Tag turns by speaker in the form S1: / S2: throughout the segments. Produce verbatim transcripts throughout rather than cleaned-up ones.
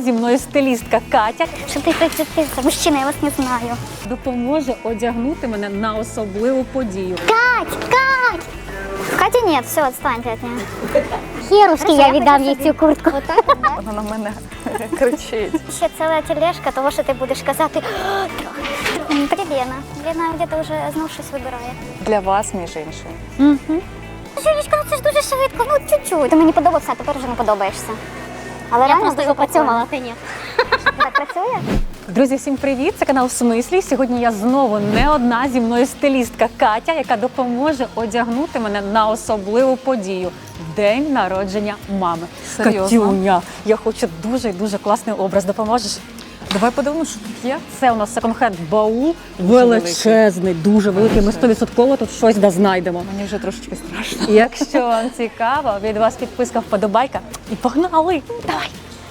S1: зі мною стилістка Катя.
S2: Що ти прицепився? Мужчина, я вас не знаю.
S1: Допоможе одягнути мене на особливу подію.
S2: Кать! Кать! Катя нет, все, отстаньте от нее. Херушки, я віддам їй цю куртку.
S3: Вона на мене кричить.
S2: Ще ціла тележка того, що ти будеш казати. Привіт, Лена. Лена где-то вже знов щось вибирає.
S3: Для вас, між іншим.
S2: Угу. Жулічка, ну це ж дуже швидко, ну чуть-чуть. Ти мені подобався, а тепер вже не подобаєшся. Але реально дуже працювала. Ти ні. Так працює?
S1: Друзі, всім привіт! Це канал «В смислі». Сьогодні я знову не одна, зі мною стилістка Катя, яка допоможе одягнути мене на особливу подію – день народження мами.
S3: Серйозно?
S1: Катюня, я хочу дуже і дуже класний образ. Допоможеш?
S3: Давай подивимося, що тут є.
S1: Це у нас секонд-хенд баул, величезний, дуже великий. Ми сто відсотків тут щось да знайдемо.
S3: Мені вже трошечки страшно.
S1: Якщо вам цікаво, від вас підписка, вподобайка і погнали! Давай!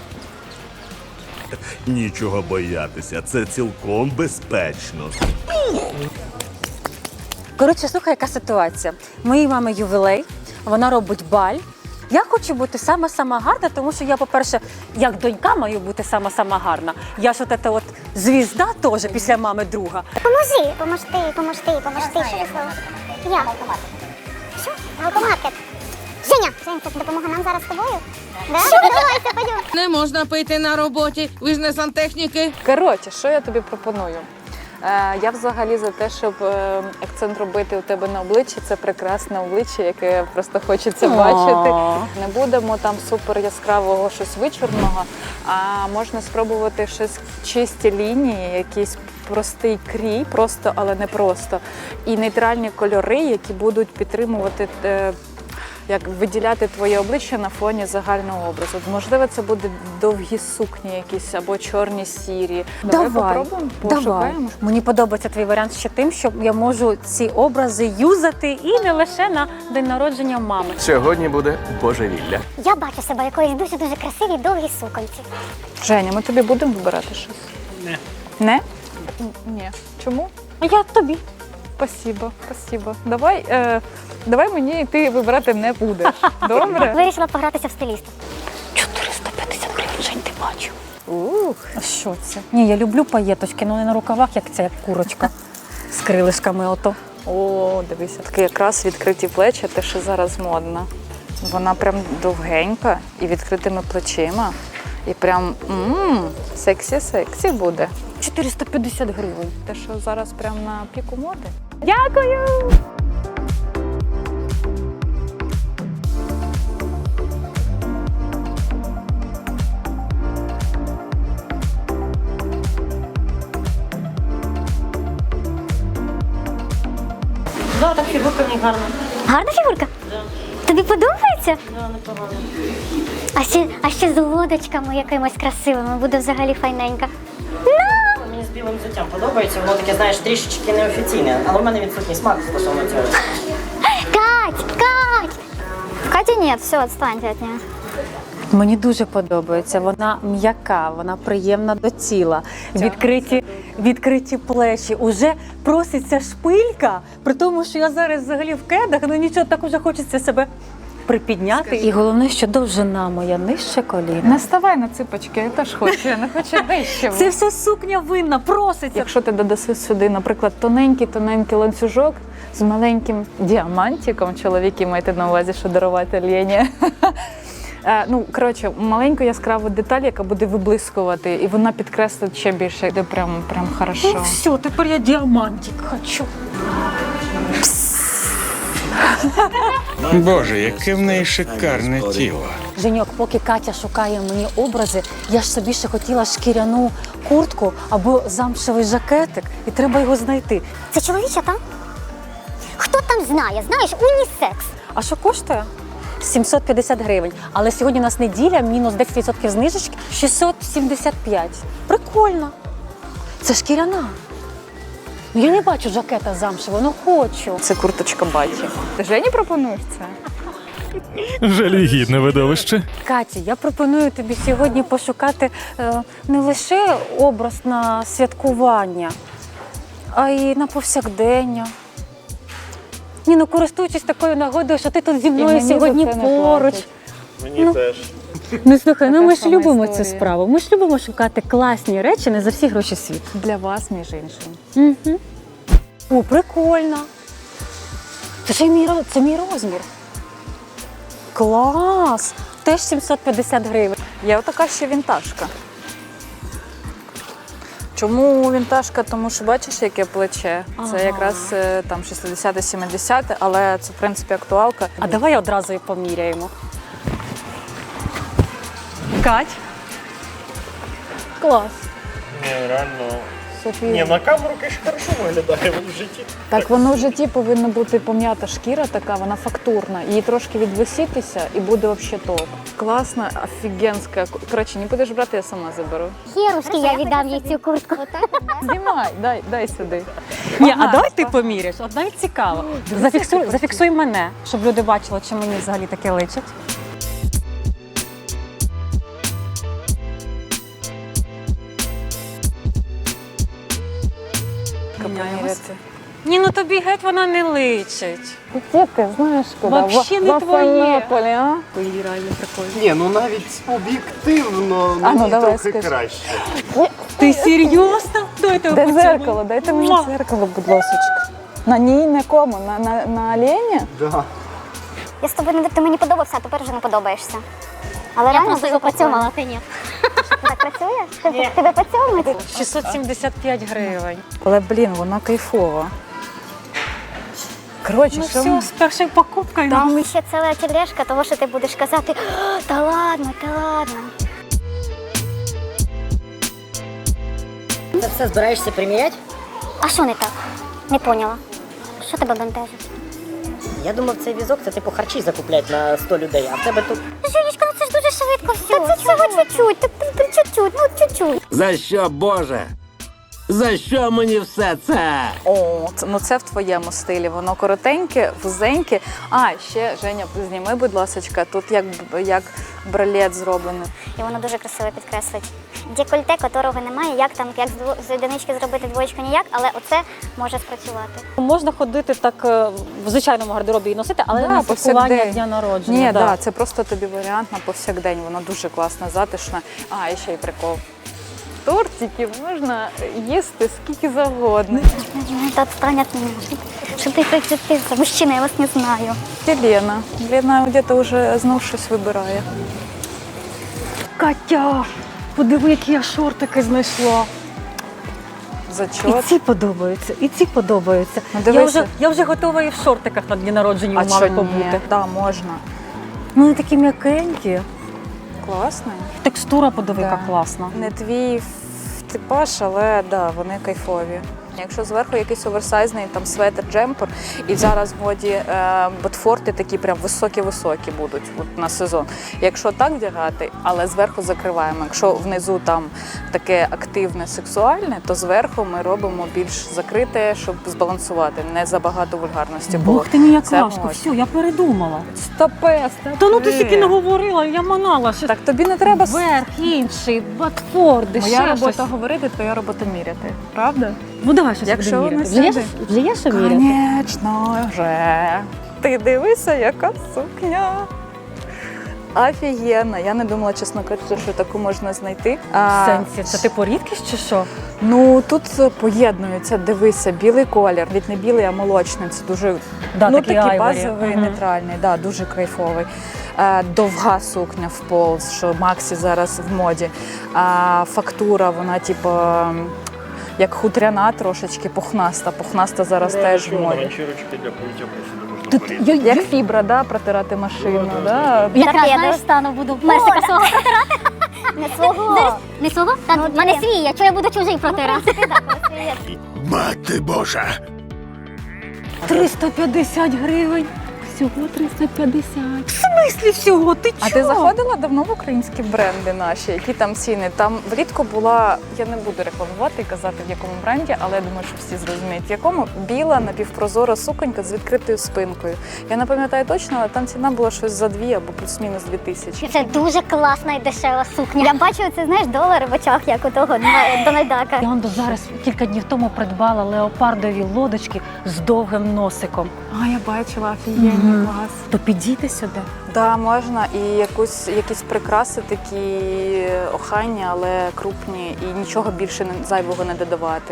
S4: Нічого боятися, це цілком безпечно.
S1: Коротше, слухай, яка ситуація. Моїй мами ювілей, вона робить баль. Я хочу бути сама-сама гарна, тому що я, по-перше, як донька маю бути сама-сама гарна. Я ж от ета от звізда теж після мами друга.
S2: Поможи, поможти, поможти, поможти. Що ви слово? Я. Що? Алкомаркет. Женя, Женя, це допомога нам зараз з тобою? Да? Давайте, пойдем.
S5: Не можна пити на роботі, ви ж не сантехніки.
S3: Коротше, що я тобі пропоную? Е, я взагалі за те, щоб е, акцент робити у тебе на обличчі. Це прекрасне обличчя, яке просто хочеться бачити. Не будемо там супер яскравого, щось вичорного, а можна спробувати щось чисті лінії, якийсь простий крій, просто, але не просто. І нейтральні кольори, які будуть підтримувати е, як виділяти твоє обличчя на фоні загального образу. Можливо, це буде довгі сукні якісь або чорні сірі. Давай,
S1: Давай
S3: попробуємо,
S1: давай.
S3: пошукаємо.
S1: Мені подобається твій варіант ще тим, що я можу ці образи юзати і не лише на день народження мами.
S6: Сьогодні буде божевілля.
S2: Я бачу себе в якоїсь дуже-дуже красивій довгій суконці.
S3: Женя, ми тобі будемо вибирати щось? Не. Не? Н- Ні. Чому?
S1: А я тобі.
S3: Спасибо, спасибо. Давай, е, давай мені і ти вибирати не будеш. Добре?
S2: Вирішила погратися в стиліста.
S1: чотириста п'ятдесят гривень, Жень, ти бачив.
S3: Ух.
S1: А що це? Ні, я люблю паєточки, але не на рукавах, як ця як курочка з крилишками ото.
S3: О, дивися, такі якраз відкриті плечі, те, що зараз модно. Вона прям довгенька і відкритими плечима. І прям мм, сексі-сексі буде.
S1: чотириста п'ятдесят гривень.
S3: Те, що зараз прям на піку моди. Дякую!
S1: Да, так фігурка мені гарна.
S2: Гарна фігурка? Тобі подобається? Да, непогано. А ще, а ще з лодочками якимось красивими, буде взагалі файненька.
S7: Мені з білим взуттям подобається, воно таке, знаєш, трішечки неофіційне, але в мене відсутній смак стосовно цього.
S2: Кать, Кать! Катя нет, все, отстаньте от нее.
S1: Мені дуже подобається. Вона м'яка, вона приємна до тіла. Відкриті, відкриті плечі. Уже проситься шпилька, при тому, що я зараз взагалі в кедах, ну нічого, так уже хочеться себе припідняти. І головне, що довжина моя нижче коліна.
S3: Не ставай на ципочки, я теж хочу, я не хочу нижче.
S1: Це вся сукня винна, проситься.
S3: Якщо ти додаси сюди, наприклад, тоненький-тоненький ланцюжок з маленьким діамантиком, чоловіки маєте на увазі, що дарувати Лені. Е, Ну, коротше, маленьку яскраву деталь, яка буде виблискувати, і вона підкреслить ще більше, де прям, прям хорошо.
S1: Ну все, тепер я діамантик хочу.
S8: Боже, яке в неї шикарне тіло.
S1: Женьок, поки Катя шукає мені образи, я ж собі ще хотіла шкіряну куртку або замшевий жакетик, і треба його знайти.
S2: Це чоловіча там? Хто там знає? Знаєш, унісекс.
S1: А що коштує? сімсот п'ятдесят гривень. Але сьогодні у нас неділя, мінус десять відсотків знижечки, шістсот сімдесят п'ять. Прикольно. Це шкіряна. Ну, я не бачу жакета замшевого, ну хочу.
S3: Це курточка Баті. Ти Жені пропонуєш це?
S8: Жалюгідне видовище.
S1: Каті, я пропоную тобі сьогодні пошукати е, не лише образ на святкування, а й на повсякдення. Ні, ну користуючись такою нагодою, що ти тут зі мною
S3: мені за
S1: сьогодні
S3: це не
S1: поруч.
S3: платять.
S4: Мені
S1: Ну.
S4: теж.
S1: Ну слухай, ну
S3: Така
S1: ми ж
S3: сама
S1: любимо цю
S3: історія.
S1: справу. Ми ж любимо шукати класні речі не за всі гроші світу.
S3: Для вас, між іншим.
S1: Угу. О, прикольно. Це ж і мій, ро- це мій розмір. Клас! Теж сімсот п'ятдесят гривень.
S3: Є отака ще вінтажка. Чому вінтажка? Тому що бачиш, яке плече. Це
S1: Ага.
S3: якраз е, там шістдесяте-сімдесяте, але це в принципі актуалка.
S1: А давай одразу і поміряємо. Кать? Клас.
S9: Ні, реально.
S3: Софія.
S9: Ні, на камеру, звісно, хорошо виглядає в житті.
S3: Так воно в житті повинна бути пом'ята шкіра така, вона фактурна. Її трошки відвисітися і буде взагалі топ. Класна, офігенська. Коротше, не будеш брати, я сама заберу.
S2: Хірушки, я віддам їй цю куртку.
S3: Знімай, дай, дай сюди.
S1: Ні, а
S3: Ага.
S1: давай ти поміряєш. От навіть цікаво. Зафіксуй, зафіксуй мене, щоб люди бачили, чи мені взагалі таке личить.
S3: Поміряти.
S1: Ні, ну тобі геть вона не личить.
S3: Діти, знаєш куди?
S1: Вообще не
S3: В
S1: твоє.
S3: Афанополі, а?
S1: Ой, реально прикольно.
S9: Ні, ну навіть об'єктивно
S3: А, ну,
S9: мені
S3: давай,
S9: трохи
S3: скажи.
S9: краще.
S1: Ти серйозно? Дайте
S3: Де
S1: оцю-
S3: зеркало? Дайте мені
S1: Муа.
S3: зеркало, будь ласка. На ній на кому? На, на, на олені?
S9: Да.
S2: Я з тобою не ти мені подобався, а тепер вже не подобаєшся. Але реально дуже працювала, ти ні. Так працює? Тебе- Тебе поцьомить?
S1: шістсот сімдесят п'ять гривень.
S3: Але, блін, вона кайфова. Коротше,
S1: Ну
S3: що
S1: все,
S3: ми-
S1: з першою покупкою.
S2: Там ще ціла тележка того, що ти будеш казати, «О, та ладно, та ладно.
S7: Це все збираєшся приміряти?
S2: А що не так? Не поняла. Що тебе бентежить?
S7: Я думав, цей візок це типу харчі закуплять на сто людей, а в тебе тут
S2: Женечка, ну це ж дуже швидко все. Та це всього чуть-чуть, та, та, та, чуть-чуть, ну чуть-чуть.
S10: За що, Боже? За що мені все це?
S3: О, це, ну це в твоєму стилі. Воно коротеньке, вузеньке. А, ще, Женя, зніми, будь ласка, тут як, як бралет зроблений.
S2: І воно дуже красиво підкреслить. Декольте, котрого немає, як там, як з дво- з одинички зробити двоєчку ніяк, але оце може спрацювати.
S1: Можна ходити так е, в звичайному гардеробі і носити, але
S3: Да,
S1: на святкування
S3: повсякдень.
S1: дня народження.
S3: Ні,
S1: да.
S3: да, це просто тобі варіант на повсякдень. Воно дуже класно, затишне. А, і ще й прикол. Тортиків можна їсти скільки завгодно.
S2: Это отстань от меня. Что ты прицепился? Мужчина, я вас не знаю.
S3: Це Лена. Лена где-то вже знов щось вибирає.
S1: Катя, подиви, які я шортики знайшла. І
S3: Зачот.
S1: ці подобаються, і ці подобаються.
S3: Ну,
S1: я,
S3: дивися.
S1: вже, я вже готова і в шортиках на дні народження
S3: А
S1: у мами
S3: що ні?
S1: побути.
S3: Да, можна.
S1: Ну, вони такі м'якенькі.
S3: Класно.
S1: Текстура подиви, яка
S3: Да.
S1: класна.
S3: Не твій ф- типаж, але да, вони кайфові. Якщо зверху якийсь оверсайзний там светр, джемпер, і зараз в моді е, ботфорти такі прям високі-високі будуть от, на сезон. Якщо так вдягати, але зверху закриваємо. Якщо внизу там таке активне, сексуальне, то зверху ми робимо більш закрите, щоб збалансувати, не забагато вульгарності було.
S1: Бог ти мій як
S3: Це
S1: лашка,
S3: можна.
S1: все, я передумала.
S3: Стопе, стопе.
S1: Та ну ти стільки наговорила, я манала. Що
S3: Так тобі не треба.
S1: верх, інший, батфорди,
S3: Моя
S1: ще
S3: робота
S1: щось.
S3: говорити, твоя робота міряти. Правда?
S1: Ну давай щось
S3: Якщо
S1: будемо
S3: воно
S1: міряти. Вже є,
S3: сяде.
S1: вже є що міряти?
S3: Конечно вже. Ти дивися, яка сукня. Офігенна. Я не думала, чесно кажучи, що таку можна знайти.
S1: В
S3: А,
S1: сенсі, це типу рідкість чи що?
S3: Ну тут поєднується, дивися, білий колір, від не білий, а молочний. Це дуже
S1: Да,
S3: ну,
S1: такий
S3: такий
S1: айворі.
S3: базовий,
S1: Мгм.
S3: нейтральний, да, дуже кайфовий. Е, довга сукня в пол, що Максі зараз в моді. А фактура, вона типу. Як хутряна трошечки, пухнаста. Пухнаста зараз теж в моді.
S9: Ганчірочки для помиття посуду можна порізати.
S3: Як фібра, да, протирати машину. Да.
S2: Якраз, знаєш, стану, буду мерсика свого протирати. Не свого. Не свого? Та в мене свій, а чого я буду чужий протирати?
S10: Мати Божа!
S1: триста п'ятдесят гривень. Всього триста п'ятдесят. В смислі всього? Ти чого?
S3: А ти заходила давно в українські бренди наші? Які там ціни? Там влітку була, я не буду рекламувати і казати в якому бренді, але я думаю, що всі зрозуміють, в якому біла напівпрозора суконька з відкритою спинкою. Я не пам'ятаю точно, але там ціна була щось за дві або плюс-мінус дві тисячі.
S2: Це дуже класна і дешева сукня. Я бачу, це знаєш, долари в очах, як у того Дональдака.
S1: Я он до зараз кілька днів тому придбала леопардові лодочки з довгим носиком.
S3: А, я бачила, офігенні.
S1: Угу. То підійти сюди.
S3: Да, можна і якусь, якісь прикраси такі охайні, але крупні, і нічого більше не- зайвого не додавати.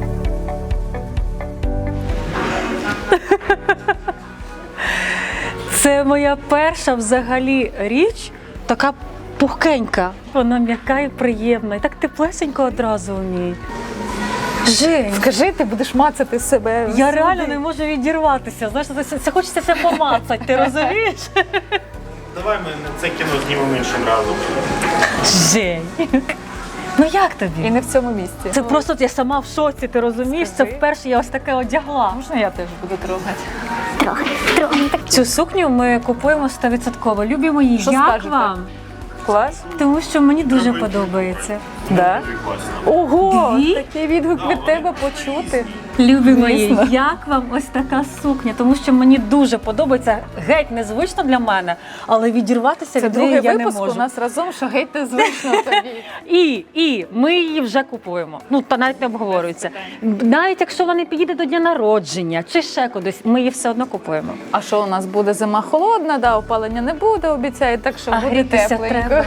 S1: Це моя перша взагалі річ, така пухкенька. Вона м'яка і приємна. І так теплесенько одразу в ній. Жень,
S3: Скажи, ти будеш мацати себе.
S1: я реально не можу відірватися. Знаєш, це, це хочеться все помацати, ти розумієш?
S9: Давай ми це кіно знімемо іншим разом.
S1: Жень. Ну як тобі?
S3: І не в цьому місці.
S1: Це просто я сама в шоці, ти розумієш? Це
S3: Скажи.
S1: вперше я ось таке одягла.
S3: Можна я теж буду трогати?
S2: Трохи, трохи. Так.
S1: Цю сукню ми купуємо сто відсотків. Любі мої,
S3: Що
S1: як
S3: скажете?
S1: вам?
S3: Клас?
S1: Тому що мені дуже подобається.
S3: Да? Ого,
S1: Дві?
S3: такий відгук від тебе почути.
S1: Любі мої,
S3: Звісно.
S1: як вам ось така сукня? Тому що мені дуже подобається, геть незвично для мене, але відірватися
S3: Це
S1: від неї
S3: другий
S1: я не
S3: випуск
S1: можу.
S3: у нас разом, що геть незвично тобі.
S1: І, і ми її вже купуємо. Ну, та навіть не обговорюється. Навіть якщо вона не підійде до дня народження чи ще кудись, ми її все одно купуємо.
S3: А що у нас буде зима холодна, да, опалення не буде, обіцяють, так що
S1: А
S3: буде
S1: грітися
S3: тепленько.
S1: треба.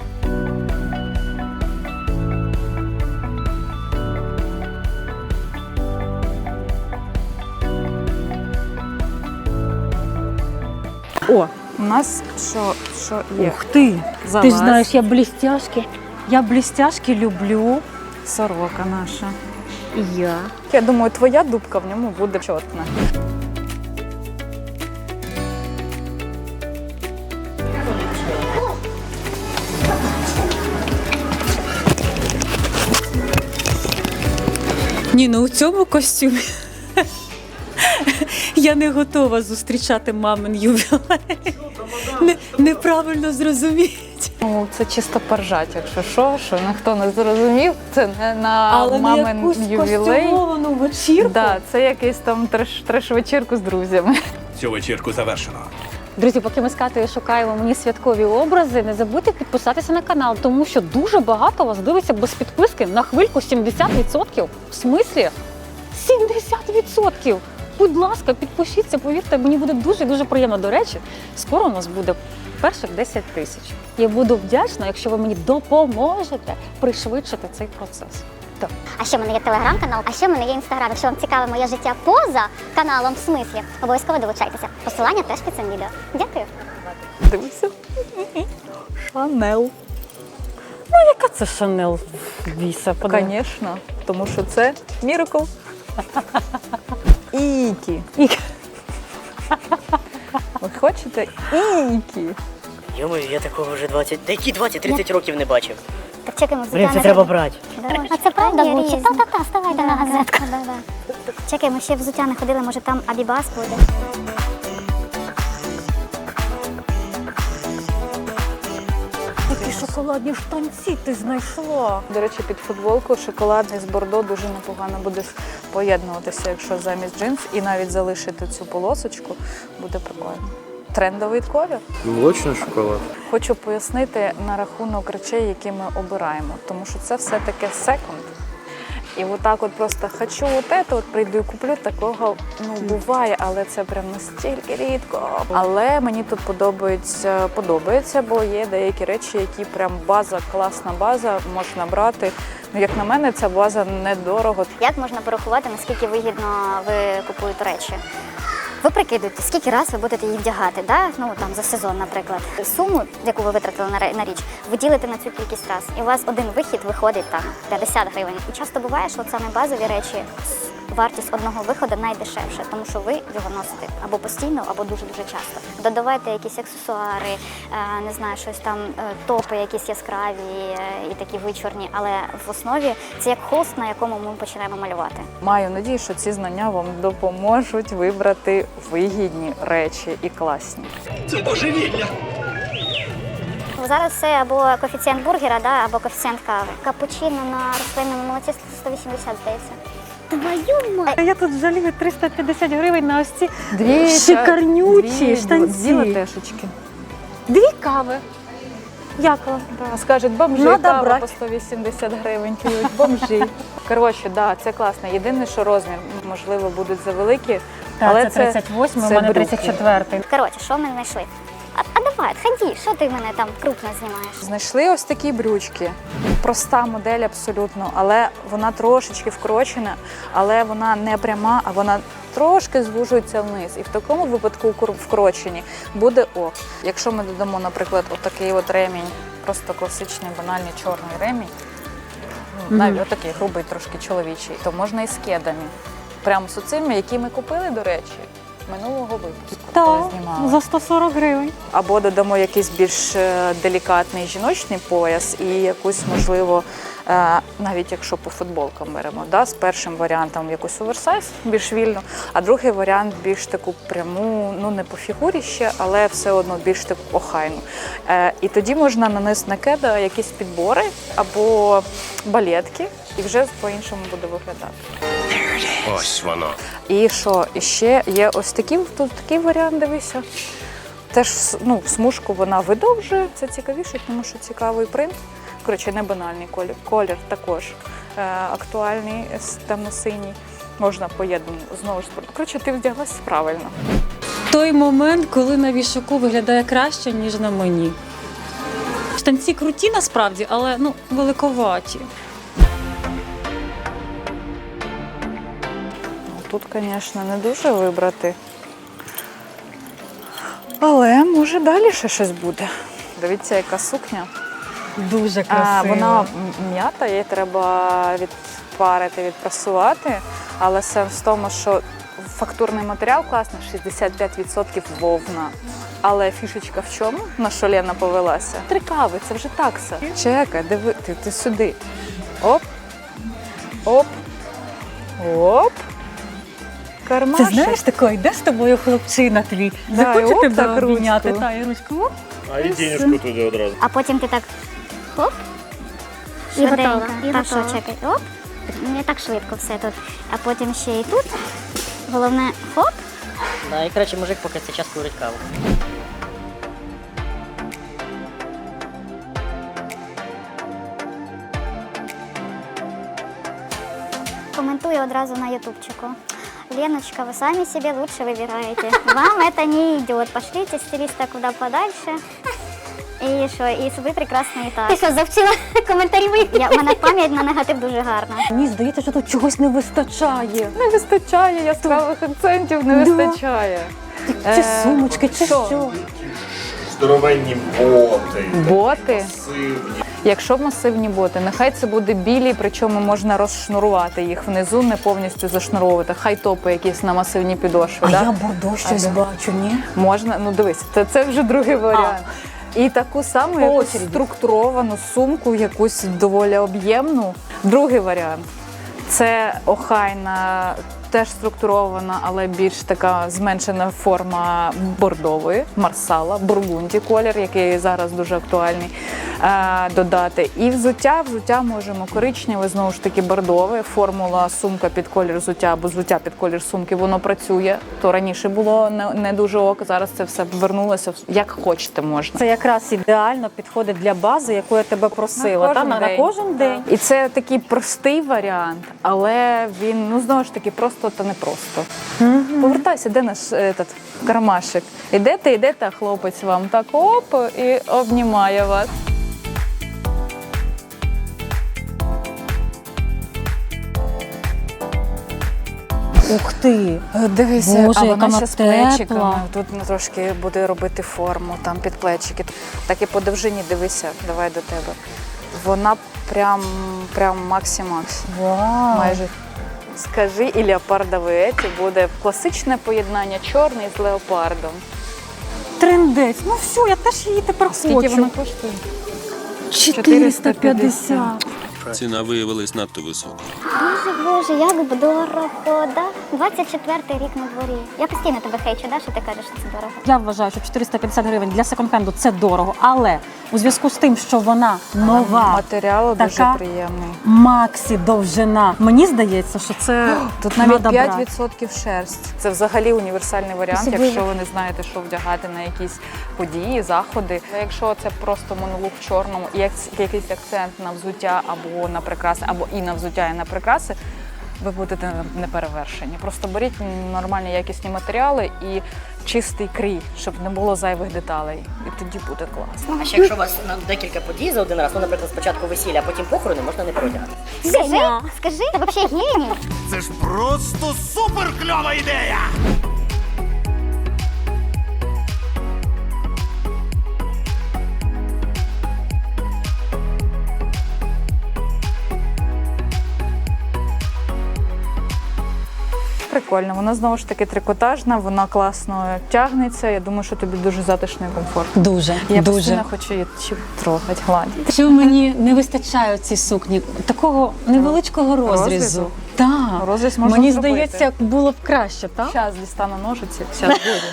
S1: О,
S3: У нас що, що є?
S1: ух ти!
S3: Залазь.
S1: Ти ж знаєш, я блістяшки. Я блістяшки люблю.
S3: Сорока наша.
S1: І я.
S3: Я думаю, твоя дубка в ньому буде чотна.
S1: Ні, ну у цьому костюмі я не готова зустрічати мамин ювілей. Не, неправильно зрозуміть.
S3: Ну, це чисто поржать, якщо що, що ніхто не зрозумів, це не на
S1: Але на
S3: мамин
S1: якусь
S3: ювілей.
S1: костюмовану вечірку.
S3: Да, це якийсь там треш, треш-вечірку з друзями.
S4: Цю вечірку завершено.
S1: Друзі, поки ми з Катею шукаємо мені святкові образи, не забудьте підписатися на канал, тому що дуже багато вас дивиться без підписки на хвильку сімдесят відсотків. В смислі? сімдесят відсотків! Будь ласка, підпишіться, повірте, мені буде дуже-дуже приємно. До речі, скоро у нас буде перших десять тисяч. Я буду вдячна, якщо ви мені допоможете пришвидшити цей процес. Так.
S2: А ще в мене є телеграм-канал, а ще в мене є інстаграм. Якщо вам цікаве моє життя поза каналом, в смислі, обов'язково долучайтеся. Посилання теж під цим відео. Дякую.
S3: Дивися. Шанел.
S1: Ну, яка це Шанел віса?
S3: Звісно, тому що це Міракл. Ікі.
S1: Ікі.
S3: Ви хочете Ікі?
S7: Йомаю, я такого вже двадцять, та які двадцять-тридцять років не бачив.
S2: Так чекаємо взуття.
S7: Блін, це
S2: на
S7: треба
S2: ринку.
S7: брати.
S2: А це правда Гуччі? Та-та-та, ставайте на газетку. Чекай, ми ще взуття не ходили, може там Абібас буде.
S1: Такі шоколадні штанці ти знайшла.
S3: До речі, під футболку шоколадний з бордо дуже непогано буде поєднуватися, якщо замість джинс і навіть залишити цю полосочку, буде прикольно. Трендовий колір.
S6: Молочний шоколад.
S3: Хочу пояснити на рахунок речей, які ми обираємо, тому що це все-таки секонд. І отак от просто хочу от це, от прийду і куплю, такого ну буває, але це прям настільки рідко. Але мені тут подобається, подобається, бо є деякі речі, які прям база, класна база, можна брати. Ну, як на мене, ця база недорого.
S2: Як можна порахувати, наскільки вигідно ви купуєте речі? Ви прикидуєте, скільки раз ви будете її вдягати, да? Ну там за сезон, наприклад. Суму, яку ви витратили на ре- на річ, ви ділите на цю кількість раз. І у вас один вихід виходить там п'ятдесят гривень. І часто буває, що от саме базові речі, вартість одного виходу найдешевша, тому що ви його носите або постійно, або дуже-дуже часто. Додавайте якісь аксесуари, е, не знаю, щось там, е, топи якісь яскраві е, і такі вичорні, але в основі це як холст, на якому ми починаємо малювати.
S3: Маю надію, що ці знання вам допоможуть вибрати вигідні речі і класні.
S2: Зараз це або коефіцієнт бургера, да, або коефіцієнт кави. Капучино на рослинному молоці сто вісімдесят, здається. Твою мать!
S1: Я тут жалію триста п'ятдесят гривень на ось ці
S3: Дві
S1: шикарнючі
S3: дві,
S1: штанці.
S3: Дві латешечки.
S1: Дві кави. Дякую.
S3: Да, скажуть, бомжи,
S1: Надо
S3: кава
S1: брати.
S3: по сто вісімдесят гривень п'ють, бомжі. Коротше, да, це класно. Єдине, що розмір, можливо, будуть завеликі,
S1: Так,
S3: Але
S1: це тридцять восьмий, у
S3: це
S1: мене
S3: брюки.
S1: тридцять четвертий.
S2: Коротше, що ми знайшли? А, а давай, ході, що ти мене там крупно знімаєш?
S3: Знайшли ось такі брючки. Проста модель абсолютно, але вона трошечки вкорочена, але вона не пряма, а вона трошки звужується вниз. І в такому випадку кур- вкорочені буде ок. Якщо ми додамо, наприклад, отакий от ремінь, просто класичний, банальний чорний ремінь, ну, навіть отакий грубий, трошки чоловічий, то можна і з кедами. Прямо з оцими, які ми купили, до речі, минулого випуску, коли
S1: Так,
S3: знімали.
S1: за сто сорок гривень.
S3: Або додамо якийсь більш е, делікатний жіночний пояс і якусь, можливо, е, навіть якщо по футболкам беремо, да, з першим варіантом якусь оверсайз, більш вільно, а другий варіант більш таку пряму, ну не по фігурі ще, але все одно більш таку охайну. Е, і тоді можна нанести на кеда якісь підбори або балетки, і вже по-іншому буде виглядати.
S10: Ось воно.
S3: І що? І ще є ось такий, тут такий варіант, дивися. Теж ну, смужку вона видовжує, це цікавіше, тому що цікавий принт. Коротше, не банальний колір. Колір також е, актуальний, темно-синій. Можна поєднати знову ж. Коротше, ти вдяглась правильно.
S1: Той момент, коли на вішаку виглядає краще, ніж на мені. Штанці круті насправді, але ну, великоваті.
S3: Тут, звісно, не дуже вибрати. Але може далі ще щось буде. Дивіться, яка сукня.
S1: Дуже
S3: А,
S1: красиво.
S3: вона м- м'ята, її треба відпарити, відпрасувати. Але сенс в тому, що фактурний матеріал класний, шістдесят п'ять відсотків вовна. Але фішечка в чому? На що Лена повелася? Три кави, це вже такса. Чекай, диви, ти, ти сюди. Оп, оп, оп.
S1: Ти
S3: Кармашек.
S1: знаєш, такий, йде з тобою хлопчина твій,
S3: Да,
S1: захоче
S3: і оп,
S1: тебе
S3: так
S1: обійняти,
S3: ручку.
S1: та, і ручку. Оп.
S9: А і денежку туди одразу.
S2: А потім ти так хоп,
S11: І готова,
S2: швиденько.
S11: і
S2: Так, що,
S11: готова.
S2: чекай, оп, не так швидко все тут. А потім ще і тут. Головне, хоп.
S7: Да, і коротше, мужик поки цей час курить каву.
S2: Комментую одразу на ютубчику. Леночка, вы сами себе лучше выбираете. Вам это не идет. Пошлите стилиста куда подальше. І що, і ви прекрасно і так.
S11: Ти що, завчила коментарі моїх?
S2: Я, у мене пам'ять на негатив дуже гарна.
S1: Мені здається, що тут чогось не вистачає.
S3: Не вистачає яскравих акцентів, не
S1: Да.
S3: вистачає.
S1: Чи
S3: Е,
S1: сумочки, чи
S3: що?
S1: що.
S9: Здоровенні боти.
S3: Боти.
S9: Масивні.
S3: Якщо масивні боти, нехай це буде білі, причому можна розшнурувати їх внизу, не повністю зашнуровувати. Хай топи якісь на масивні підошви.
S1: А
S3: да?
S1: я бордо щось
S3: А, да.
S1: бачу, ні?
S3: Можна, ну дивись, це, це вже другий варіант. І таку саму
S1: По
S3: якусь
S1: очереді.
S3: структуровану сумку, якусь доволі об'ємну. Другий варіант це охайна, теж структурована, але більш така зменшена форма бордової, марсала, бургунді колір, який зараз дуже актуальний, е, додати. І взуття, взуття можемо коричневе, знову ж таки бордове, формула сумка під колір взуття або взуття під колір сумки, воно працює. То раніше було не, не дуже ок, зараз це все повернулося, як хочете можна.
S1: Це якраз ідеально підходить для бази, яку я тебе просила.
S3: На
S1: Та,
S3: кожен
S1: на, на
S3: день.
S1: кожен день.
S3: І це такий простий варіант, але він, ну знову ж таки, просто та не просто. Повертайся, де наш этот, кармашик? Ідете, ідете, а хлопець вам так оп і обнімає вас.
S1: Ух ти!
S3: Дивися,
S1: Боже,
S3: а
S1: яка
S3: вона
S1: вона
S3: ще з
S1: тепла.
S3: плечиками. Тут ну, трошки буде робити форму, там під плечики. Так і по довжині дивися, давай до тебе. Вона прям, прям максі-макс.
S1: Вау!
S3: Майже. Скажи, і леопардовий еті буде класичне поєднання чорний з леопардом.
S1: Трендець. Ну все, я теж її тепер
S3: Скільки
S1: хочу.
S3: вона коштує?
S1: чотириста п'ятдесят.
S8: Ціна виявилась надто висока.
S2: Боже, боже, як б дорого, да? двадцять четвертий рік на дворі. Я постійно тебе хейчу, да, що ти кажеш, що це дорого.
S1: Я вважаю, що чотириста п'ятдесят гривень для секонд-хенду – це дорого, але у зв'язку з тим, що вона нова,
S3: Матеріал
S1: така
S3: дуже приємний.
S1: максі довжина, мені здається, що це
S3: Тут навіть
S1: надо
S3: п'ять
S1: брати.
S3: відсотків шерсть. Це взагалі універсальний варіант,
S1: Особливо.
S3: якщо ви не знаєте, що вдягати на якісь події, заходи. А якщо це просто монолог в чорному і як- якийсь акцент на взуття або на прикраси, або і на взуття, і на прикраси, ви будете неперевершені. Просто беріть нормальні якісні матеріали і чистий крій, щоб не було зайвих деталей. І тоді буде класно.
S7: А ще якщо у вас на декілька подій за один раз, ну, наприклад, спочатку весілля, а потім похорони, можна не переодягати.
S2: Скажи, скажи, ти взагалі геній.
S4: Це ж просто супер кльова ідея!
S3: Прикольно, вона знову ж таки трикотажна, вона класно тягнеться. Я думаю, що тобі дуже затишно і комфортно.
S1: Дуже,
S3: Я
S1: дуже.
S3: постійно хочу її трогати, гладити.
S1: Що мені не вистачає цій сукні? Такого невеличкого розрізу.
S3: Розрізу?
S1: Так.
S3: Розріз можна
S1: Мені
S3: зробити.
S1: здається, було б краще, так?
S3: Зараз дістану ножиці, зараз буде.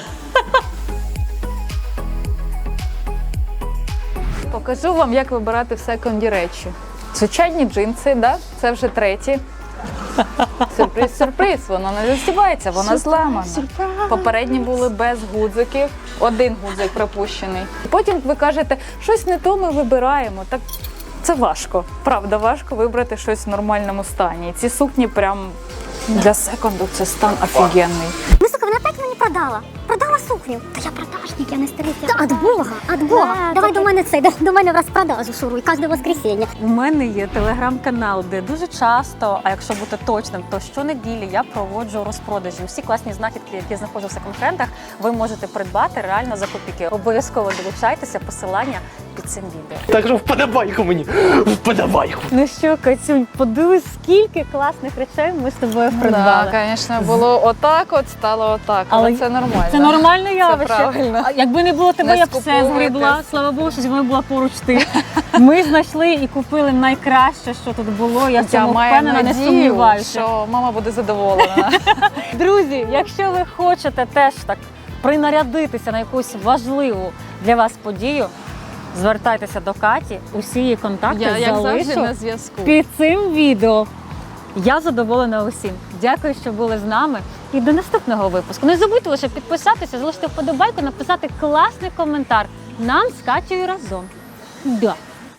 S3: Покажу вам, як вибирати в секонді речі. Звичайні джинси, да? Це вже треті. Сюрприз, сюрприз, вона не застібається, вона зламана. Попередні були без гудзиків, один гудзик пропущений. Потім ви кажете, щось не то ми вибираємо. Так це важко, правда, важко вибрати щось в нормальному стані. І ці сукні прям для секонду це стан офігенний.
S11: Ну, сука, вона опять мені продала. Продала сукню. Та я продажник, я не старий. Та від Бога, від Бога. Давай до мене це, до мене в розпродажу шуруй, кожне воскресіння.
S1: У мене є телеграм-канал, де дуже часто, а якщо бути точним, то щонеділі я проводжу розпродажі. Усі класні знахідки, які знаходжу в секонд-хендах, ви можете придбати реально за копійки. Обов'язково долучайтеся, посилання під цим відео.
S6: Так що вподобайку мені, вподобайку.
S1: Ну що, Катюнь, подивись, скільки класних речей ми з тобою придбали.
S3: Так, звісно, було отак, от стало отак, але,
S1: Але
S3: це нормально.
S1: Це нормальне явище.
S3: правильно.
S1: А якби не було тебе,
S3: Не
S1: я б все
S3: скуповуйтесь.
S1: згребла. Слава Богу, що зі мною була поруч ти. Ми знайшли і купили найкраще, що тут було. Я в
S3: Я
S1: цьому
S3: маю
S1: впевнена, не
S3: надію,
S1: сумніваюся.
S3: що мама буде задоволена.
S1: Друзі, якщо ви хочете теж так принарядитися на якусь важливу для вас подію, звертайтеся до Каті. Усі її контакти
S3: Я, як завжди,
S1: залишу
S3: на зв'язку.
S1: під цим відео. Я задоволена усім. Дякую, що були з нами. І до наступного випуску. Не забудьте лише підписатися, залишити вподобайку, написати класний коментар. Нам з Катєю разом. Да.